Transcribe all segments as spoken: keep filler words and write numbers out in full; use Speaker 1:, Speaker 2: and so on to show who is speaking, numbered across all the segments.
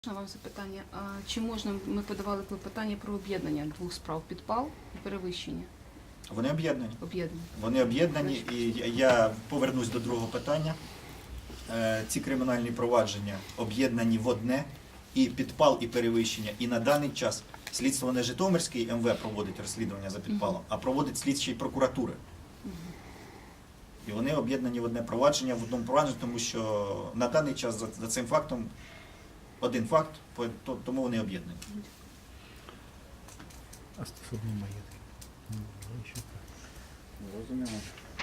Speaker 1: Вам запитання. А чи можна, ми подавали клопотання про об'єднання двох справ: підпал і перевищення?
Speaker 2: Вони об'єднані.
Speaker 1: Об'єднані.
Speaker 2: Вони об'єднані, і я повернусь до другого питання. Ці кримінальні провадження об'єднані в одне, і підпал, і перевищення. І на даний час слідство не Житомирський ем ве проводить розслідування за підпалом, а проводить слідчі прокуратури. І вони об'єднані в одне провадження, в одному провадженні, тому що на даний час за, за цим фактом один факт, тому вони об'єднані.
Speaker 3: А стосовно маєтки?
Speaker 4: Зрозуміло.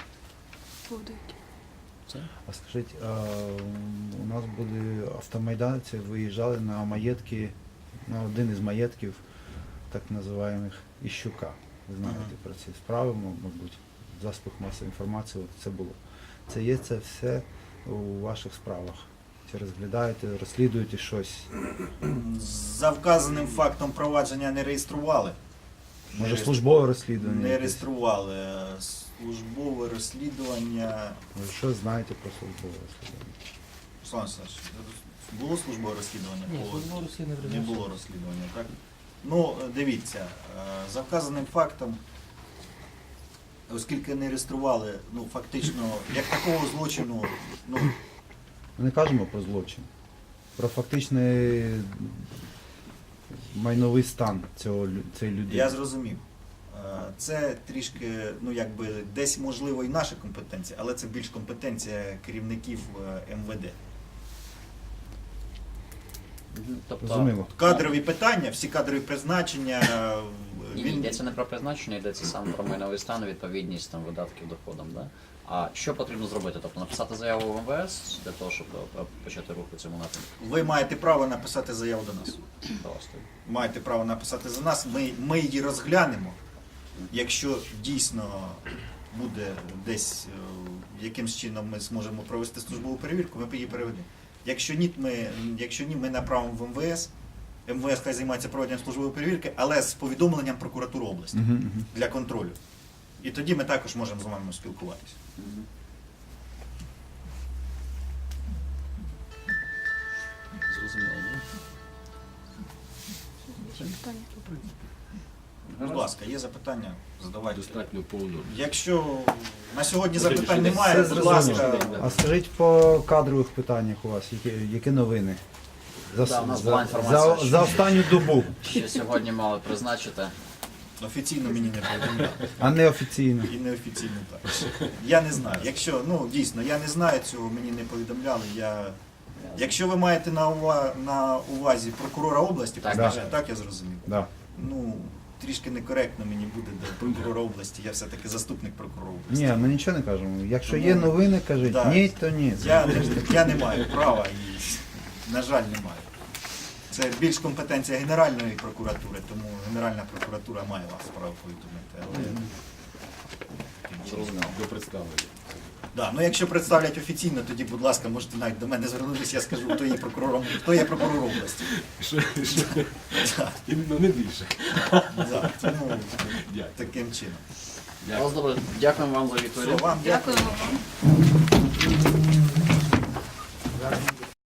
Speaker 3: А скажіть, а у нас були автомайданці, виїжджали на маєтки, на один із маєтків, так називаємих Іщука. Ви знаєте
Speaker 2: Ага.
Speaker 3: про ці справи, мабуть, в засобах масової інформації от це було. Це є це все у ваших справах? Чи розглядаєте, розслідуєте щось?
Speaker 2: За вказаним фактом провадження не реєстрували.
Speaker 3: Може службове розслідування?
Speaker 2: Не
Speaker 3: якесь?
Speaker 2: реєстрували. Службове розслідування.
Speaker 3: Ви що знаєте про службове розслідування?
Speaker 2: Руслан Олександрович, було службове розслідування?
Speaker 4: Ні,
Speaker 2: По-
Speaker 4: службове розслідування
Speaker 2: Не
Speaker 4: призначено.
Speaker 2: було розслідування, так? Ну, дивіться, е, за вказаним фактом, оскільки не реєстрували, ну, фактично, як такого злочину, ну,
Speaker 3: Ми не кажемо про злочин, про фактичний майновий стан цього, лю- цієї людини.
Speaker 2: я зрозумів. Е, Це трішки, ну, якби, десь, можливо, і наша компетенція, але це більш компетенція керівників е, ем ве де.
Speaker 4: Тобто,
Speaker 3: Розуміло.
Speaker 2: Кадрові питання, всі кадрові призначення, е,
Speaker 4: ні,
Speaker 2: він...
Speaker 4: йдеться не про призначення, йдеться саме про майновий стан, відповідність там, видатків доходам. Да? А що потрібно зробити? Тобто написати заяву в ем ве ес для того, щоб е, почати рух у цьому напрямку?
Speaker 2: Ви маєте право написати заяву до нас.
Speaker 4: До вас тоді.
Speaker 2: Маєте право написати за нас, ми, ми її розглянемо. Якщо дійсно буде десь е, якимсь чином ми зможемо провести службову перевірку, ми її переведемо. Якщо ні, ми, якщо ні, ми направимо в ем ве ес. ем ве ес хай займається проведенням службової перевірки, але з повідомленням прокуратури області
Speaker 3: Мгм, мгм.
Speaker 2: для контролю. І тоді ми також можемо з вами спілкуватися.
Speaker 4: Мгм. Зрозуміло.
Speaker 1: Запитання?
Speaker 2: Будь ласка, є запитання? Задавайте.
Speaker 5: Достатньо повно.
Speaker 2: Якщо на сьогодні
Speaker 5: Все
Speaker 2: запитань немає,
Speaker 3: Все
Speaker 2: будь
Speaker 3: зрозуміло.
Speaker 2: ласка.
Speaker 3: А скажіть по кадрових питаннях у вас, які, які новини? За,
Speaker 4: Да, у нас
Speaker 3: за,
Speaker 4: була інформація,
Speaker 3: за,
Speaker 4: що-
Speaker 3: за останню добу,
Speaker 4: Що сьогодні мали призначити?
Speaker 2: Офіційно мені не повідомляли.
Speaker 3: а не офіційно.
Speaker 2: І неофіційно також. Я не знаю. Якщо, ну дійсно, я не знаю цього, мені не повідомляли. Я... Якщо ви маєте на, ува... на увазі прокурора області,
Speaker 4: Так,
Speaker 2: призначення,
Speaker 3: да.
Speaker 2: так я зрозумів.
Speaker 3: Да.
Speaker 2: Ну, трішки некоректно мені буде до прокурора області, я все-таки заступник прокурора області.
Speaker 3: Ні, ми нічого не кажемо. Якщо
Speaker 2: Тому-
Speaker 3: є новини, кажіть.
Speaker 2: Да.
Speaker 3: Ні, то ні.
Speaker 2: Я, не, я не маю права і, на жаль, не маю. Це більш компетенція Генеральної прокуратури, тому Генеральна прокуратура має вас право повідомити. Але...
Speaker 5: Зрозуміло. До представлення.
Speaker 2: Да, ну якщо представлять офіційно, тоді, будь ласка, можете навіть до мене звернутися, я скажу, хто є прокурором, хто є прокурор області.
Speaker 5: Що, що?
Speaker 2: Да,
Speaker 5: Іменно не більше.
Speaker 2: да, тому
Speaker 5: Дякую.
Speaker 2: таким чином.
Speaker 4: Вас добре. Дякуємо вам за
Speaker 2: Все,
Speaker 4: відповідь.
Speaker 2: вам дякую.
Speaker 1: Дякуємо вам.